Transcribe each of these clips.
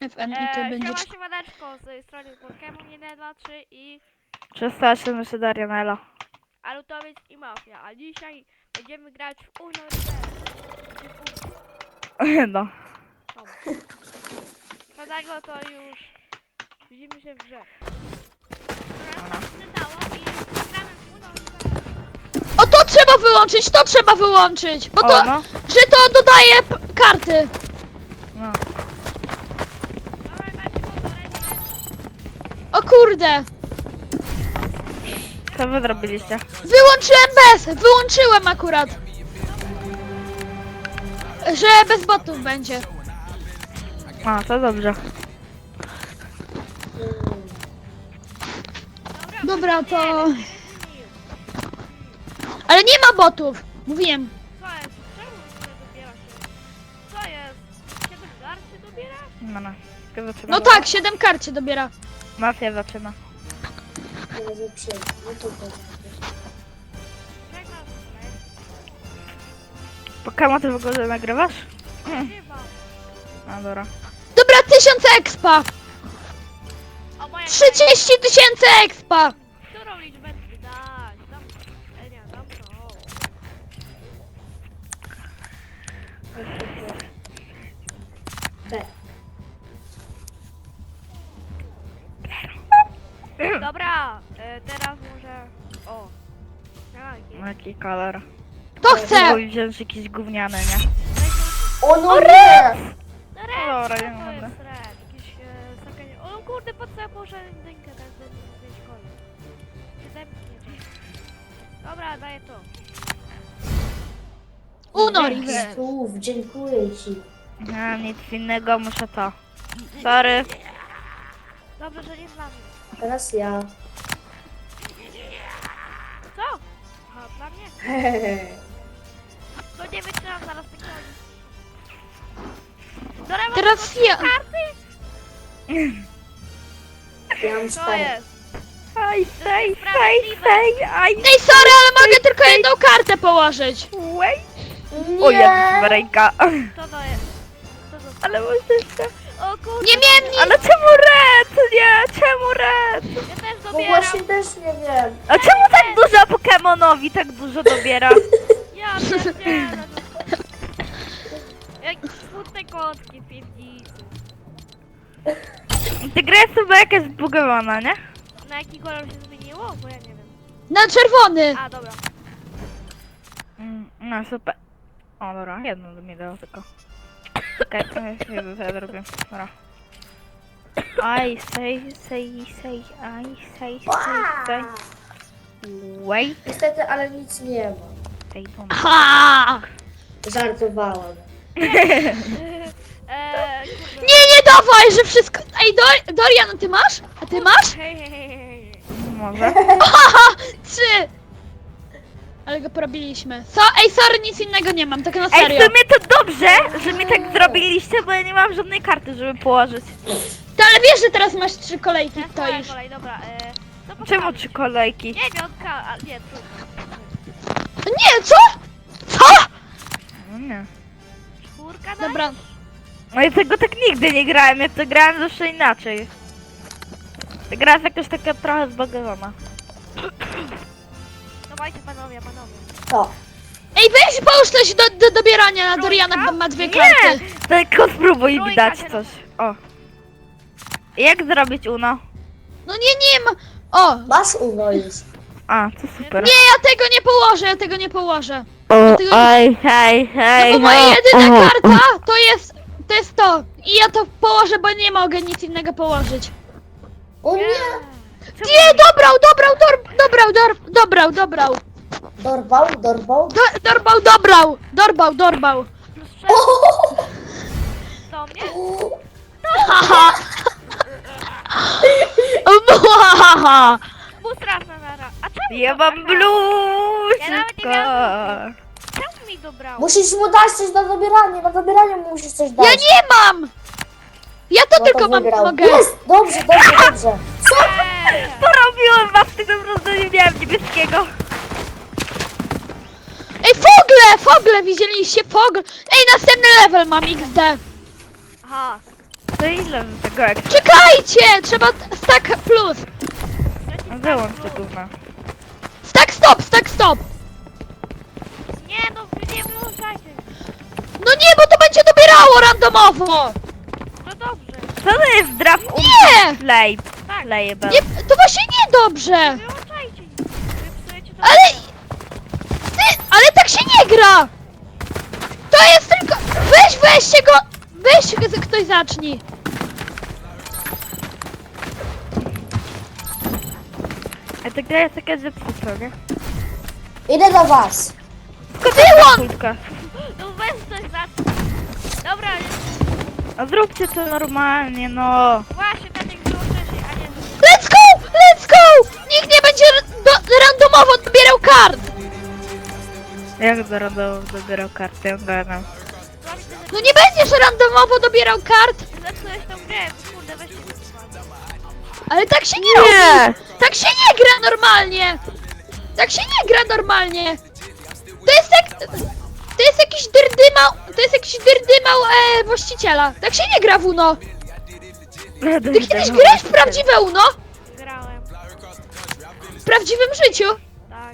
FN i to będzie... Siemaneczko, z tej strony Pokémon 1, 2, 3 i 380 Darianela. Alutowiec i Mafia, a dzisiaj będziemy grać w Uno No. Dlatego to już widzimy się w grze. O, to trzeba wyłączyć, to trzeba wyłączyć! Bo to, O, no. że to dodaje karty. No. O kurde! Co wy zrobiliście? Wyłączyłem akurat. Że bez botów będzie. A, to dobrze. Dobra, to... Ale nie ma botów! Mówiłem. Co jest? Czemu się dobiera się? Co jest? 7 gar się dobiera? No. Kto zaczyna? No tak, 7 kart się dobiera. Mafia zaczyna. Pokémon ty w ogóle nagrywasz? Chyba. A, dobra. Dobra, 1000 expa! O, moja 30 000 expa! którą liczbę dać? Dam... nie, dam to. Dobra, teraz może... O. Jakie? Jaki kolor? To chcę! Mój wziąć jakieś gówniane, nie? O no nie! No Dobra, red, nie to mogę. jest red. Jakieś sakanie... O kurde, po co ja położę dynkę tak, żeby mieć kolor? Daj mi nie. Dobra, daję to. Uno reverse. Słów, dziękuję ci. Nie, nic innego, muszę to. Sorry. Dobrze, że nie dla mnie. A teraz ja. Co? Aha, dla mnie? To nie wytrzymam zaraz tych koni. Dobra, mam Teraz ja. karty? Ja mam Co 4. jest? Aj, sej, aj. Ej, sorry, ale mogę tylko jedną kartę położyć. Wait. O, jak ręka. Co to jest? Co to jest? Ale możecie. O kurde. Nie miałem nic. Ale czemu red? Nie, czemu red? Ja też Bo dobieram. właśnie też nie wiem. A czemu tak dużo Pokemonowi tak dużo dobiera? Ja też nie. Jak smutne kotki w piwnicy. Ta gra jest chyba jakaś zbugowana, nie? Na jaki kolor się zmieniło? Bo ja nie wiem. Na czerwony. A, dobra. No super. O dobra, jedno mi dało tylko. Okej, jedno co ja zrobię. Dobra. I say. Wait, Niestety, ale nic nie ma. they don't. Ha! Żartowałam. Kurde. Nie dawaj, że wszystko... Ej, Dorian, ty masz? A ty masz? Hej. Może? Haha, 3! Ale go porobiliśmy. Ej, sorry, nic innego nie mam, tak na Ej, w serio. sumie to dobrze, że mi tak zrobiliście, bo ja nie mam żadnej karty, żeby położyć. To, ale wiesz, że teraz masz 3 kolejki, Teraz to moja już. kolej, dobra. Co Czemu postawić? 3 kolejki? Dziewiątka, a nie, trójka. Nie, co? Co? No nie. Czwórka, Dobra, No ja tego tak nigdy nie grałem, ja to grałem zawsze inaczej. Ta gra jest jakoś taka trochę zbagowana. Dawajcie panowie. To. ej, weź połóż coś do dobierania na Doriana, bo ma 2 Nie! karty. Tylko spróbuj mi Trójka dać się coś. O. Jak zrobić Uno? No nie ma. O! Masz Uno już. A, to super. Nie, ja tego nie położę. O, tego- oj, hej, No bo moja jedyna karta to jest to. I ja to położę, bo nie mogę nic innego położyć. O nie! Nie, dobrał. Dorbał. Plus 6 O! do mnie? Haha. Haha. Boostraf na nara. A czemu Ja to mam taka? bluźka. Ja nawet nie miałam Czemu mi dobrało? Musisz mu dać coś na dobieranie mu musisz coś dać. Ja nie mam. Ja to No tylko to mam wygrał. mogę. Jest! Dobrze. Porobiłem was, ty po prostu nie miałem niebieskiego. Ej, fogle, widzieliście? Fogle. Ej, następny level mam XD. Aha. To ile z tego jak... Czekajcie! Trzeba stack plus. Wyłącz to gówno. Stack stop, stack stop. Nie no, wy nie wyłączajcie. No nie, bo to będzie dobierało randomowo. No dobrze. Co to jest draft Nie! play? Tak. Playable. Nie, to właśnie niedobrze. Wyłączajcie. Wy psujecie to. Ale... ale tak się nie gra. To jest tylko... weźcie go... ktoś zacznij. A ta gra jest taka zepsuta, nie? Idę do was. Wyłącz! Kulka. No weź coś zacznij. Dobra, A zróbcie to normalnie, no. właśnie tak jak wyłączycie, a nie... Let's go! Let's go! Nikt nie będzie randomowo dobierał kart. Jak dobierał kartę, ja gadam. No nie będziesz randomowo dobierał kart. Zepsułeś tą grę, kurde, weźcie to. Ale tak się nie robi! Tak się nie gra normalnie! Tak się nie gra normalnie! To jest jak... To jest jakiś dyrdymał... To jest jakiś dyrdymał właściciela. Tak się nie gra w UNO! Ty kiedyś grałeś w prawdziwe UNO? Grałem, W prawdziwym życiu? tak.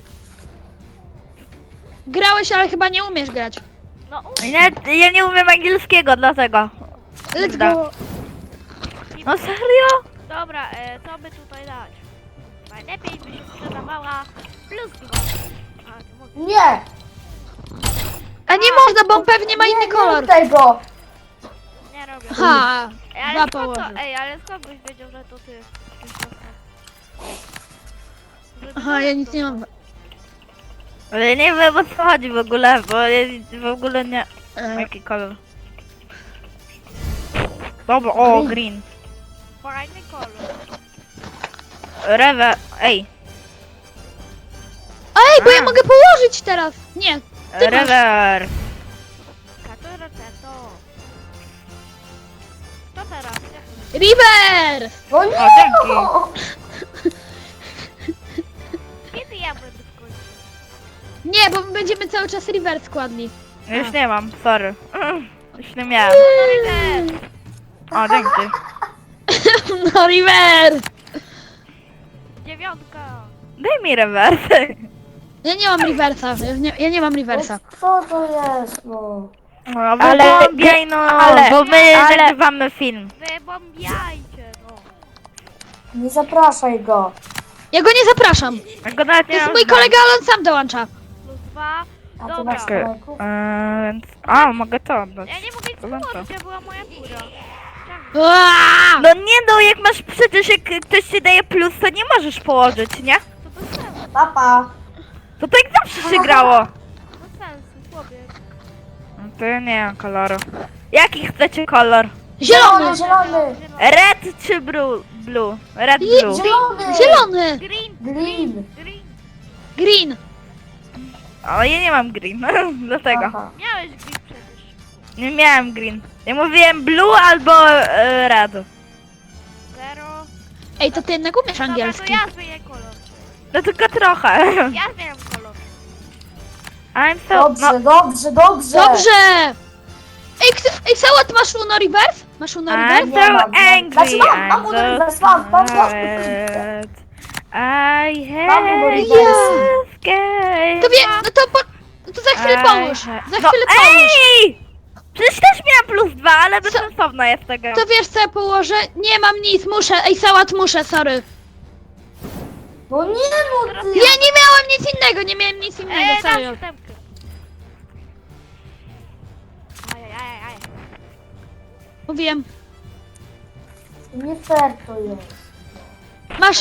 Grałeś, ale chyba nie umiesz grać. No Ja nie umiem angielskiego, dlatego. Let's Da. go! No serio? dobra, co by tutaj dać? Najlepiej by się sprzedawała plus 2. A, to mogę. Nie. A nie można, bo on pewnie ma inny Nie kolor. rób tego. Nie robię. Ha! Ej, Dwa ale skąd położył. to, ej, ale skąd byś wiedział, że to ty? Żeby Aha, ja to nic nie mam. Ale nie wiem o co chodzi w ogóle, bo ja w ogóle nie... Jaki kolor? Dobra, o, green. Fajny kolor. Rewe, ej. Ej, bo ja mogę położyć teraz! Nie, ty masz. Rewer. Katura to. Co teraz? River! No nie. O, dzięki. no. Kiedy ja będę w końcu? Nie, bo my będziemy cały czas River składni. Już nie mam, sorry. Już nie miałem. O, dzięki. No River! 9. Daj mi rewers. Ja nie mam Riversa, ja nie mam Riversa. Co to jest, no? No, Ale- wybombiaj, no, ale- bo my ale- nagrywamy film. Wybombiajcie, no. Nie zapraszaj go. Ja go nie zapraszam. Ja go nawet To nie jest mam mój znam. kolega, ale on sam dołącza. Plus 2. A ty Dobra. masz Okej, kolejków? więc... A, mogę to oddać. Ja nie mogę nic Dobra. położyć, ja była moja tura. Aaaa! No nie no, jak masz przecież jak ktoś ci daje plus, to nie możesz położyć, nie? To bez sensu, Papa. To tak zawsze się grało. bez sensu, chłopie. No to ja nie mam koloru. Jaki chcecie kolor? Zielony! Zielony. Red czy blue? Red, I- blue. Zielony. Zielony! Green, Green. green. Green! O, ja nie mam green, dlatego. Aha. Miałeś green przecież. Nie miałem green. Ja mówiłem blue albo red. 0. Ej, to ty jednak umiesz Dobra, angielski. to ja zmienię kolor. No tylko trochę. Ja zmieniam kolor. I'm so... Dobrze, dobrze, dobrze. Dobrze! Ej, Sałat, masz Uno Reverse? Masz Uno I'm Reverse? so Nie mam, angry. Znaczy mam I'm uniwersytet, so mam. mad. I Mam hate uniwersytet. escape. To wie, no to za chwilę pomóż. Za No chwilę pomóż. ej! Przecież też miałam plus 2, ale bezsensowna jest tego. To wiesz co ja położę? Nie mam nic, muszę. Ej, Sałat, muszę, sorry. No nie, no ty. Ja nie miałem nic innego, nie miałem nic innego, Dam serio. 7. Ajajajaj. Mówiłem. Nie fair to jest. Masz...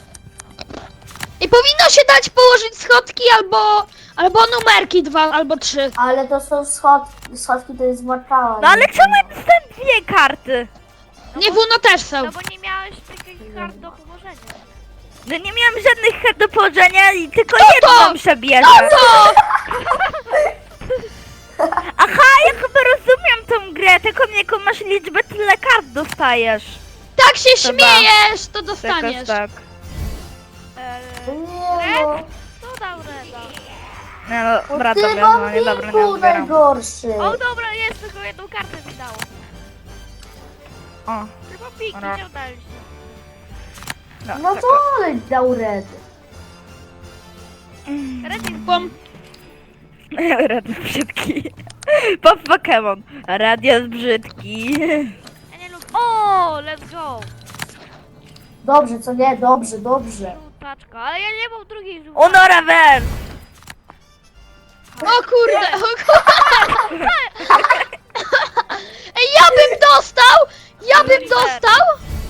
I powinno się dać położyć schodki albo numerki 2 albo 3. Ale to są schodki. Schodki to jest markała. No ale czemu ja dostałem dwie karty? Nie, w Uno też są. No bo nie miałeś takich kart do położenia. No nie miałam żadnych kart do położenia i tylko to? jedną przebierze. To! Aha, ja chyba rozumiem tą grę, tylko jaką masz liczbę, tyle kart dostajesz. Tak się śmiejesz, to Jakoś dostaniesz. tak. Nie no. Co dał Reda? Nie no, No dobra, ty dobra, mam no nie dobra, nie linku odbieram. najgorszy. O dobra, jest, tylko jedną kartę mi dało. O, Tylko piki, Dobra. nie udaje się. No to ale dał red. Ready, Bum. Radio brzydki. Pop Pokémon. Radio jest brzydki. ja nie lubię. O, let's go! Dobrze, co nie? Dobrze, dobrze. Żółtaczka, ale ja nie mam drugiej żółtaczki. Uno Reverse. O kurde, o kurde. Ej, ja bym dostał! Ja bym dostał!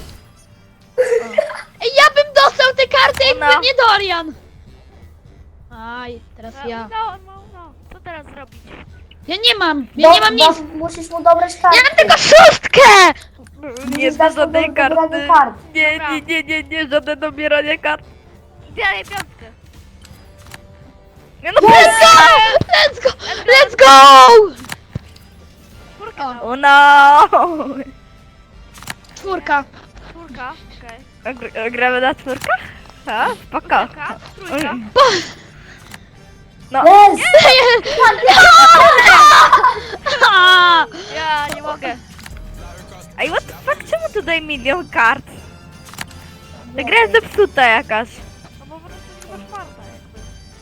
Ej, ja bym dostał te karty, jakby No. nie Dorian! Aj, teraz ja. No. Co teraz zrobić? Ja nie mam, ja nie mam nic! Musisz mu dobrać karty. Ja mam tylko szóstkę! Nie dać ma żadnej mu dobranie karty. kart. Nie, żadne dobieranie kart. Zbieraj piątkę. Nie no, Let's go! Let's go! Let's go! Czwórkę O. dał. Uno. Czwórka. Czwórka, okej. Gramy na czwórkach? A, spoko. Trójka, trójka. No, Jest! A! Ja nie mogę. ej, what the fuck, czemu tutaj milion kart? Ta gra jest zepsuta jakaś. No bo po prostu nie masz farta jakby.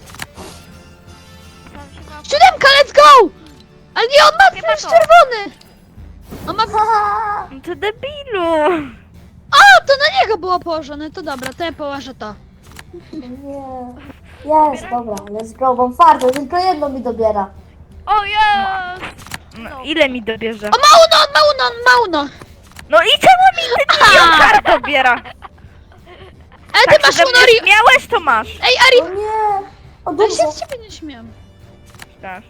Sam się ma... Siódemka, let's go! Ale nie, on ma Chyba też to. czerwony! On ma... No to debilu. A, to na niego było położone, to dobra, to ja położę to. Nie. Jest, dobra, let's go, mam fartę, tylko jedno mi dobiera. O, jest! No, ile mi dobierze? O, ma uno, on ma uno, on ma uno! No i czemu mi ten milion kart dobiera? Ale ty Tak masz się ze uno, mnie śmiałeś, to masz. Ej, No Ari, nie. O, ja się dobrze. z ciebie nie śmiałam. Tak.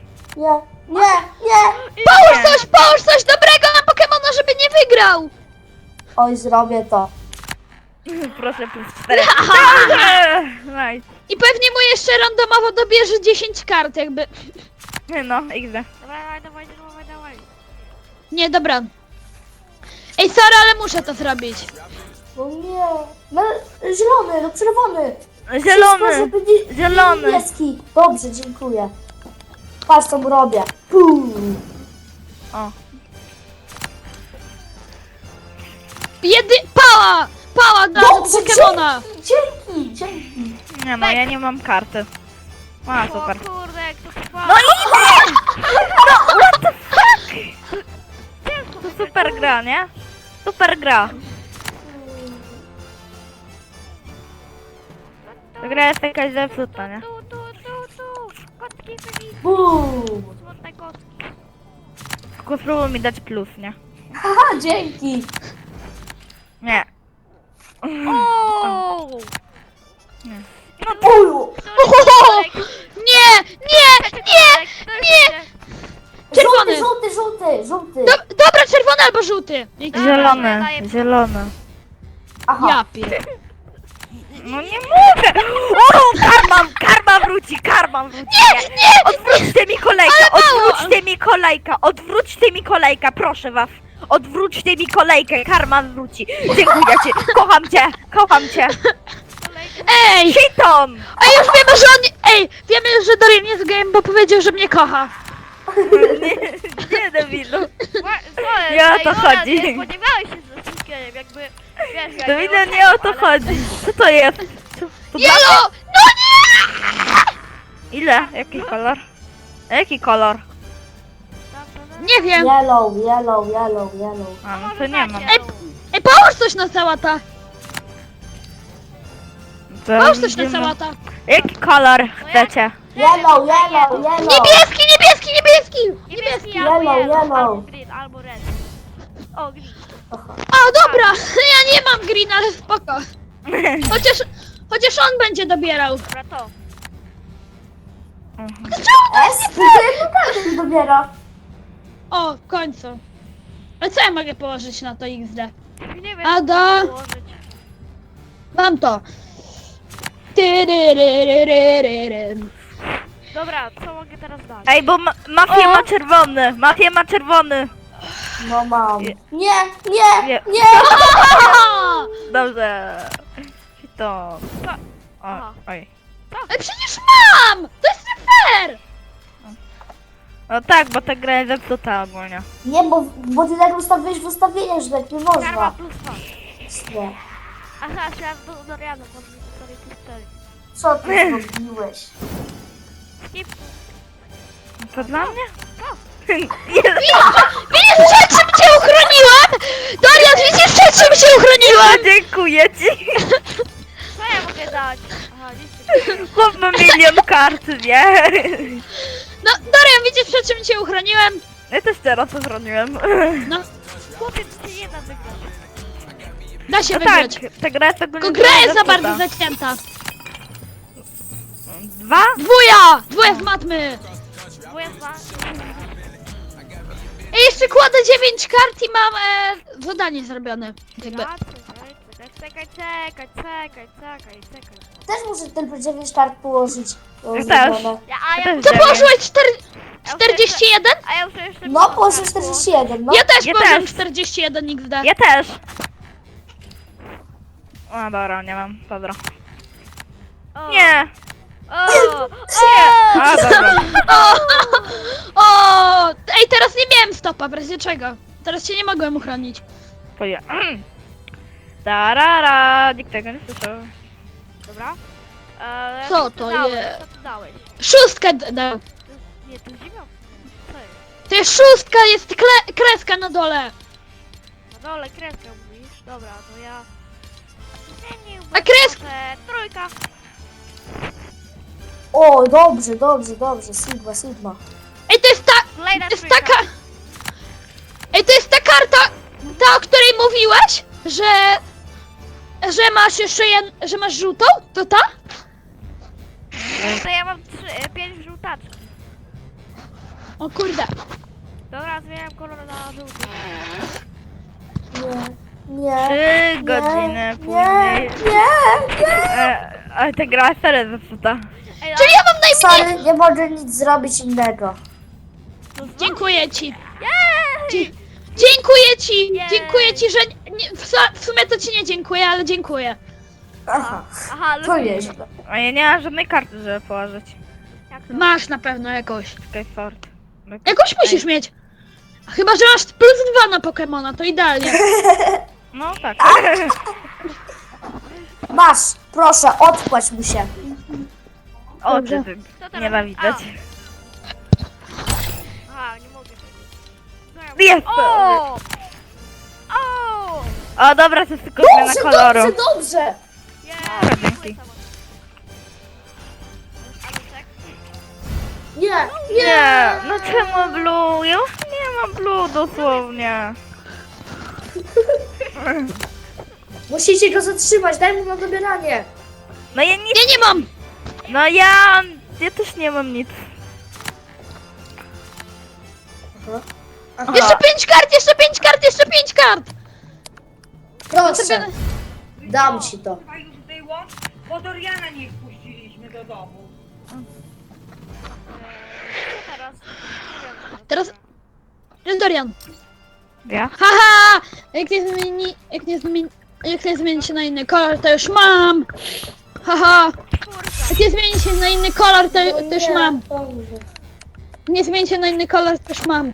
Nie. Połóż coś dobrego na Pokemona, żeby nie wygrał! Oj, zrobię to. Proszę, plus 4. Dobrze! Nice. I pewnie mu jeszcze randomowo dobierze 10 kart, jakby... No, XD. Dawaj. Nie, dobra. Ej, sorry, ale muszę to zrobić. No nie. No, zielony, no czerwony. Wszystko, Zielony! żeby Zielony! niebieski. Dobrze, dziękuję. Patrz, co mu robię. Pum. O. Pała! Pała dla Pokemona! Dzięki. Nie no, ja nie mam karty. A, super. O kurde, jak to trwa. No idę! No, what the fuck? To super gra, nie? Super gra. Ta gra jest jakaś zepsuta, nie? Tu. Kotki byli. Bum. Smutne kotki. Tylko spróbuj mi dać plus, nie? Haha, dzięki. Nie. O! Uju. Nie! Czerwony! Żółty. Dobra, czerwony albo żółty. Zielony, zielony. Aha. Ja pier... No nie mogę! O, karma wróci! Nie! Odwróćcie mi kolejkę, proszę was! Odwróćcie mi kolejkę, karma wróci! Dziękuję ci, kocham cię! Ej! Shiton! Ej, już wiemy, że on... Ej, wiemy, że Dorian jest gejem, bo powiedział, że mnie kocha. Nie, debilu. Nie Nie o to chodzi. Nie spodziewałeś się ze wszystkim, jakby... Wiesz, ja Debilu, nie o to chodzi. Co to jest? To Jelo! No nie! Ile? Jaki kolor? Jaki kolor? Nie wiem. Yellow. A, no to nie mam. Ej, połóż coś na sałata. To Połóż coś na widzimy. sałata. Jaki kolor chcecie? Yellow. Niebieski! Niebieski Yellow. albo green, albo red. O, green. O, dobra. Ja nie mam green, ale spoko. Chociaż on będzie dobierał. Dobra, to. S? To jedną kartę mi dobiera. O, w końcu. Ale co ja mogę położyć na to XD? Nie wiem, Ada. co położyć. Mam to. Tyryryryryryry. Dobra, co mogę teraz dać? Ej, bo Mafia ma czerwony. No mam. Nie. Nie. Aha! Dobrze. To. Co? O, Aha. oj. Ale przecież mam! To jest nie fair! No tak, bo ta gra jest zepsuta ogólnie. Nie, bo ty tak ustawiłeś w ustawieniach, że tak nie Karma można. plus 2. Nie. Aha, chciałam do Doriana, bo mi tutaj plus 4. Co ty zrobiłeś? Skip. To dla mnie? Widzisz, przed czym cię uchroniłam? Dorian, widzisz, przed czym cię uchroniłam? Dziękuję ci! Co ja mogę dać? Aha, nic. Chłop ma milion kart, nie? No, Dorian, widzisz, przed czym cię uchroniłem? Ja też teraz to zrobiłem. No, Chłopiec się nie da wygrać. da się No tak, wygrać. ta gra jest ogólnie Tylko gra jest za zepsuta. bardzo zacięta. 2? Dwuja z matmy. Bo ja dwa. I jeszcze kładę 9 kart i mam zadanie zrobione. Jakby. Czekaj. Też muszę tylko 9 kart położyć. To Ja zrobione. też. A ja też Co dziewięć. położyłeś? 41? A ja muszę jeszcze... No, położę 41, no. Ja też Ja położyłem też. 41 XD. Ja też! O, dobra, nie mam, dobra. O. Nie! O! A, dobra. O! Ej, teraz nie miałem stopa, w razie czego? Teraz się nie mogłem uchronić. Poje. Tarara, nikt tego nie słyszał. Dobra. Co to dałeś? jest? Co ty dałeś? Szóstkę dał. Nie, to jest dziewiątka. Co jest? To jest szóstka, jest kreska na dole. Na dole kreskę mówisz? Dobra, to ja... Nie, A kreska? Trójka. O, dobrze. Sigma. Ej, to jest ta... Kolejna To jest trójka. taka... Ej, to jest ta karta, ta, o której mówiłeś, że masz jeszcze że masz żółtą? To ta? To ja mam 5 żółtaczki. O kurde. Dobra, zmieniam kolor na żółty. Nie. 3 godziny Nie. później. Ale ta gra jest serio zepsuta. Ej, Czyli ja mam najmniej... Sorry, nie mogę nic zrobić innego. Dziękuję ci. Jej! Dziękuję ci! Jej. Dziękuję ci, że... w sumie to ci nie dziękuję, ale dziękuję. Aha, Aha, ale... to nieźle. A ja nie mam żadnej karty, żeby położyć. Jak to? Masz na pewno jakąś. Skyfort. Jakąś musisz mieć. Chyba, że masz plus 2 na Pokemona, to idealnie. No tak. Masz, proszę, odpłać mu się. O, Dobrze. ty, Co teraz? nie ma widać. Aha, nie mogę tego. Jest! O! O! O, dobra, to jest tylko zmiana koloru. Dobrze. Dobra, dzięki. Nie, Nie, no czemu blue? Ja już nie mam blue dosłownie. Musicie go zatrzymać, daj mu na dobieranie. No ja nic, Ja nie mam! no ja też nie mam nic. Aha. Jeszcze 5 kart, jeszcze 5 kart, jeszcze 5 kart! Proszę, dam ci to. Chyba już było, bo Doriana nie wpuściliśmy do domu. Co teraz? Nie wiem. Teraz... Jest Dorian. Ja? Haha! Jak nie zmieni się na inny kolor, to już mam! Haha! Jak nie zmieni się na inny kolor, to już mam. Dobrze. Nie zmieni się na inny kolor, to już mam.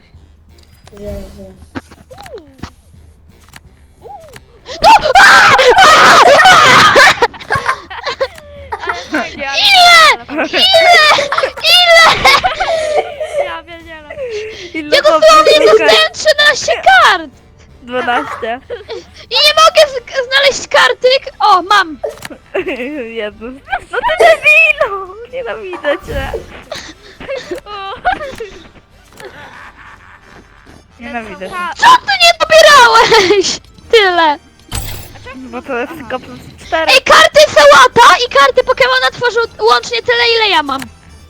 Ale fajnie, ale... Ile? Ja pierdzielę. Ile Ja dosłownie dostałem 13 kart! 12. I nie mogę znaleźć karty! O, mam! Jezus. No ty debilu! Nienawidzę cię. Nienawidzę cię. Co ty nie dobierałeś? Tyle. Bo to jest tylko plus 4. Ej, karty Sałata i karty Pokemona tworzą łącznie tyle, ile ja mam.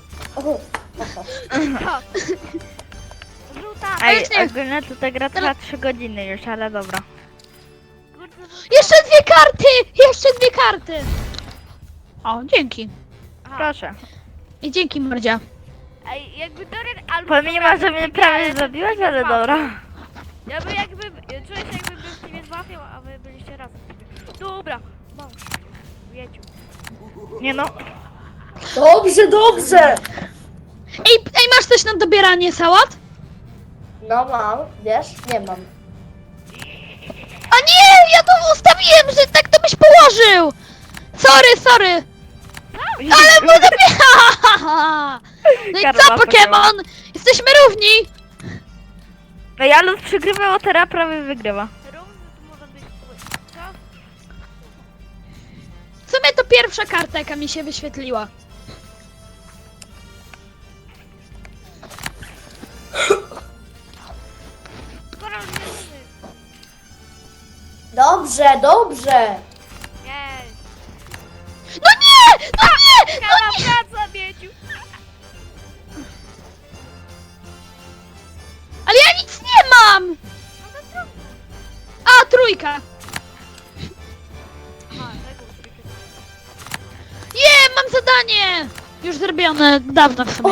Żółta. Ej, już nie- ogólnie to ta gra trwa 3 godziny już, ale dobra. Jeszcze 2 karty! Jeszcze 2 karty! O, dzięki. Proszę. I dzięki, Mordzia. Ej, jakby Dorian albo... Pomimo, że mnie prawie zabiłaś, ale dobra. Ja by jakby... Czuję się jakby był w ciebie złapiał, a wy byliście razem. Dobra. Masz. Wieciu. Nie no. Dobrze. Ej, masz coś na dobieranie sałat? No mam, wiesz? Nie mam. A nie, ja to ustawiłem, że tak to byś położył! Sorry! Ale mu dobiera! No i co, Karma Pokémon? Jesteśmy równi! No ja lud przegrywał, a teraz prawie wygrywa. Równy to może być twój. Co? W sumie to pierwsza karta, jaka mi się wyświetliła. Koral wierzymy. Dobrze. Jej. No nie! No nie! Kala praca, Mieciu. Ale ja nic nie mam! No to trudno. A, trójka! Aha, tego trójkę. Mam zadanie! Już zrobione dawno w sumie.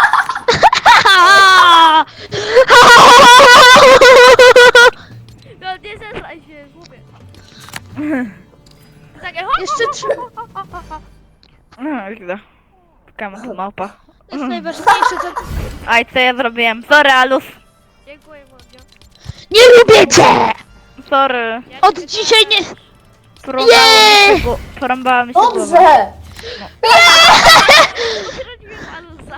No nie zesraj się, głupie. Takie hop, Jeszcze trzy. No, źle. Pokémon to małpa. To jest najważniejsze, co... Aj, co ja zrobiłem? Sorry, Alus. Dziękuję, Mordzio. Nie lubię cię! Sorry. Ja Od ciebie dzisiaj nie... Porąbała mi się głowa. Dobrze. zrobiłem Alusa.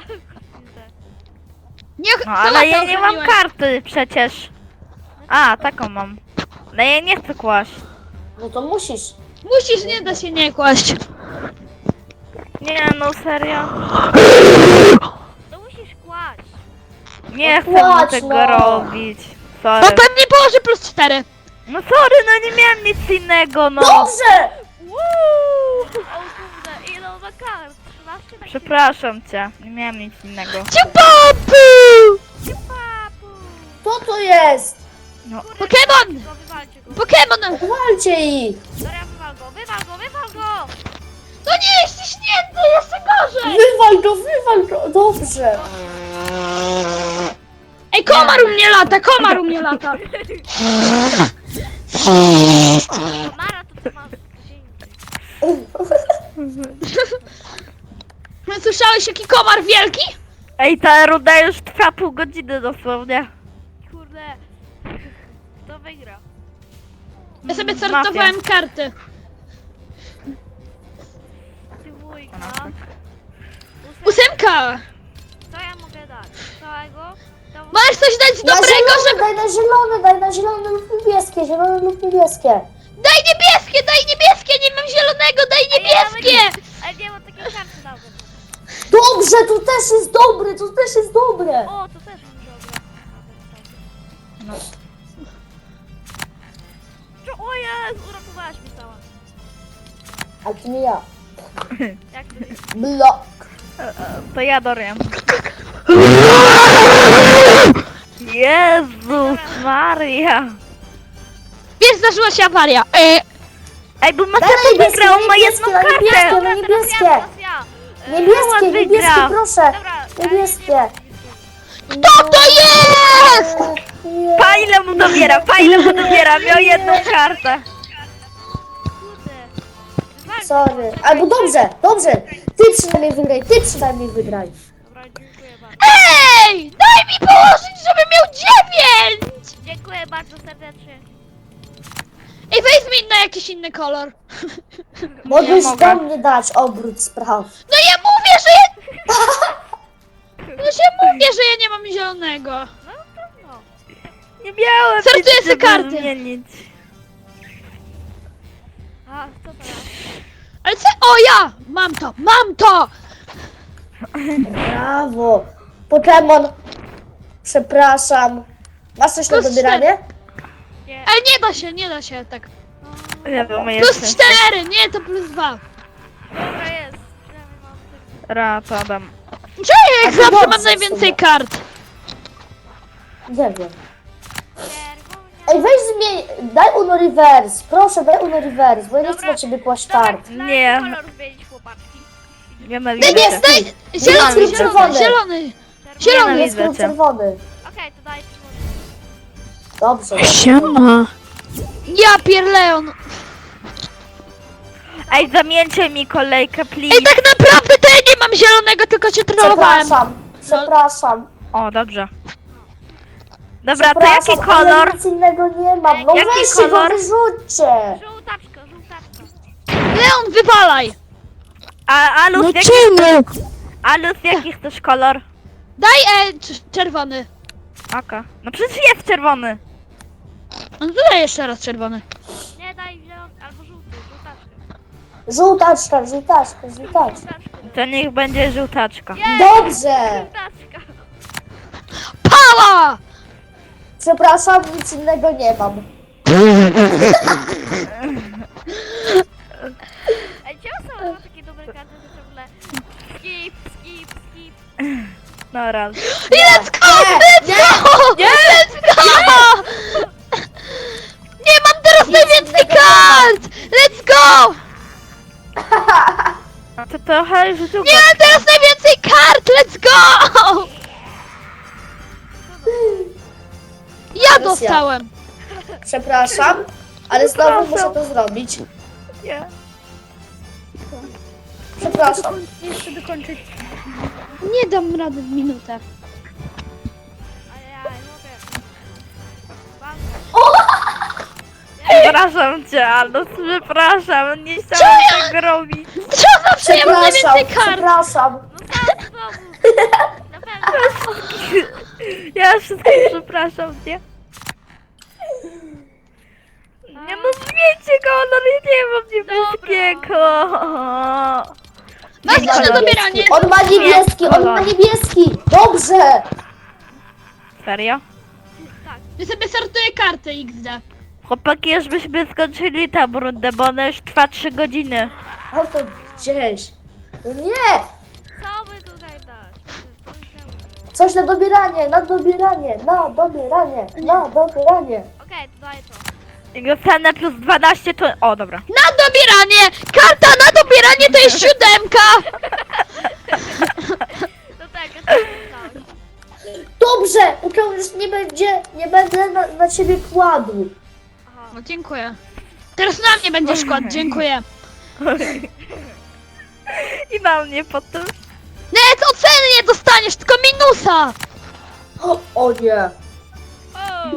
Nie, No, ale ja nie mam karty przecież. A, taką mam. No ja nie chcę kłaść. No to musisz. Musisz, nie da się nie kłaść. Nie, no serio. To musisz kłaść. Nie chcę kładź, tego no. robić. No Sorry. tam nie położy plus 4. No sorry, no nie miałem nic innego, no. Dobrze. O kurde, ile on ma kart? 13 tak Przepraszam cię, nie miałem nic innego. Ciupapu! Papu. Co to jest? No, Pokémon! Go, wywalcie go. Pokémon! Walcie ich. Dobra, wywal go. No nie, jest ściśnięty, jeszcze gorzej! Wywal go. Dobrze. Ej, komar u mnie lata! Mara to ty masz. Słyszałeś, jaki komar wielki? ej, ta runda już trwa pół godziny dosłownie. Kurde. Kto wygra? Ja sobie sortowałem karty. Ty wujka. 8! Co ja mogę dać? Całego? To Możesz coś dać Na dobrego, zielone, żeby... daj na zielone lub niebieskie. Zielone lub niebieskie. Daj niebieskie! Nie mam zielonego, daj niebieskie! Ale nie mam takiej karty nawet. Dobrze, to też jest dobre. O, to też mi dobra. No. O Jezu, uratowałaś mnie cała. A to nie ja. Jak to jest? Blok. To ja Dorian. Jezus Maria. Wiesz, zdarzyła się awaria. Ej, bo Daj Macepa niebieskie, wygrał, ma niebieskie, jedną niebieskie, kartę. no niebieskie. Teraz ja. Niebieskie, wygra. proszę. Dobra, Niebieskie. Kto to jest? Nie. Fajle mu dobiera, miał jedną kartę. Kurde. Wywalcie. Sorry. Albo dobrze. Ty przynajmniej wygraj. Dobra, dziękuję bardzo. Ej! Daj mi położyć, żebym miał 9! Dziękuję bardzo serdecznie. Ej, weź zmień na jakiś inny kolor. Mogłeś mogę. do mnie dać obrót spraw. No ja mówię, że ja... No ja mówię, że ja nie mam zielonego. No trudno. Nie miałem Sortuję nic, sobie żeby karty. zmienić. A, co teraz? Ale co? O, ja! Mam to! Brawo. Pokémon. Przepraszam. Masz coś na Plus dobieranie? Nie. Ale nie da się tak. Ja bym Plus jeszcze. 4, nie, to plus 2. Dobra jest. Przynajmniej mam tylko- Raz, Adam. Czemu jak A to zawsze dobrze mam w najwięcej sumie. kart? Nie wiem. Czerwonia. Ej, weź zmień. Daj Uno Reverse. Proszę, daj Uno Reverse, bo ja nie chcę Dobra. na ciebie kłaść kart. Dobra, Nie. kolor zmienić, chłopaczki. Nienawidzę. Daj! Zielony, czerwony. Zielony! Czerwony. Nie, Jest widzę lub cię. czerwony. Okej, to daj czerwony. Dobrze. Siema! Ja pierleon! Ej, zamieńcie mi kolejkę, please. Ej, tak naprawdę to ja nie mam zielonego, tylko cię trollowałem. Przepraszam. O, dobrze. Dobra, to Przepraszam, jaki ale kolor? nic innego nie mam. No Jaki weźcie go, kolor? wyrzućcie. Żółtaczka, żółtaczka. Leon, wywalaj! Alus, jaki, czemu? Alus, jaki chcesz kolor? Daj czerwony. Okej. No przecież jest czerwony. No to daj jeszcze raz czerwony. Nie, daj zielony, albo żółty, żółtaczkę. Żółtaczka, żółtaczka, żółtaczka. Żółtaczkę. To niech będzie żółtaczka. Dobrze. Żółtaczka. Pała! Przepraszam, nic innego nie mam. Ej, czemu są takie dobre karty, że ciągle skip, skip, skip. No raz. Let's go! Let's go! Let's go! Nie mam teraz najwięcej kart! Let's go! To trochę żółtaczka. Nie mam teraz najwięcej kart! Let's go! Ja dostałem! Przepraszam, ale znowu muszę to zrobić. Nie. Przepraszam. Jeszcze dokończyć. Nie dam rady w minutę. Ajaj, mogę. Banka. Przepraszam cię, Alus, przepraszam. Nie chciałam tego robić. Co zawsze ja mam Przepraszam, najwięcej kart! przepraszam. No sam znowu. Na pewno. Ja wszystkich przepraszam, nie? Nie no, zmieńcie go, no nie mam niebieskiego. Masz coś na dobieranie? On ma niebieski, on ma niebieski. Dobrze. Serio? Ja sobie sortuję karty XD. Chłopaki, już byśmy skończyli tę rundę, bo ona już trwa 3 godziny. O to gdzieś. No nie. Co by tutaj dać? Coś na dobieranie, na dobieranie, na dobieranie, na dobieranie. Okej, to daję to. I dostanę plus 12 to... O, dobra. Na dobieranie! Karta na dobieranie to jest 7! No tak, ja to dałem. Dobrze, póki on już nie będę na ciebie kładł. Aha. No dziękuję. Teraz na mnie będzie szkład, dziękuję. I na mnie potem. Net oceny nie dostaniesz, tylko minusa! O nie. O!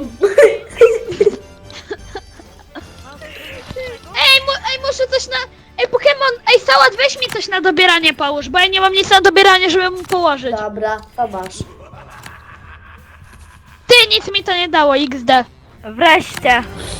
Ej, muszę coś na... Ej, Pokémon, ej, Sałat, weź mi coś na dobieranie połóż, bo ja nie mam nic na dobieranie, żeby mu położyć. Dobra, to masz. Ty, nic mi to nie dało, XD. Wreszcie.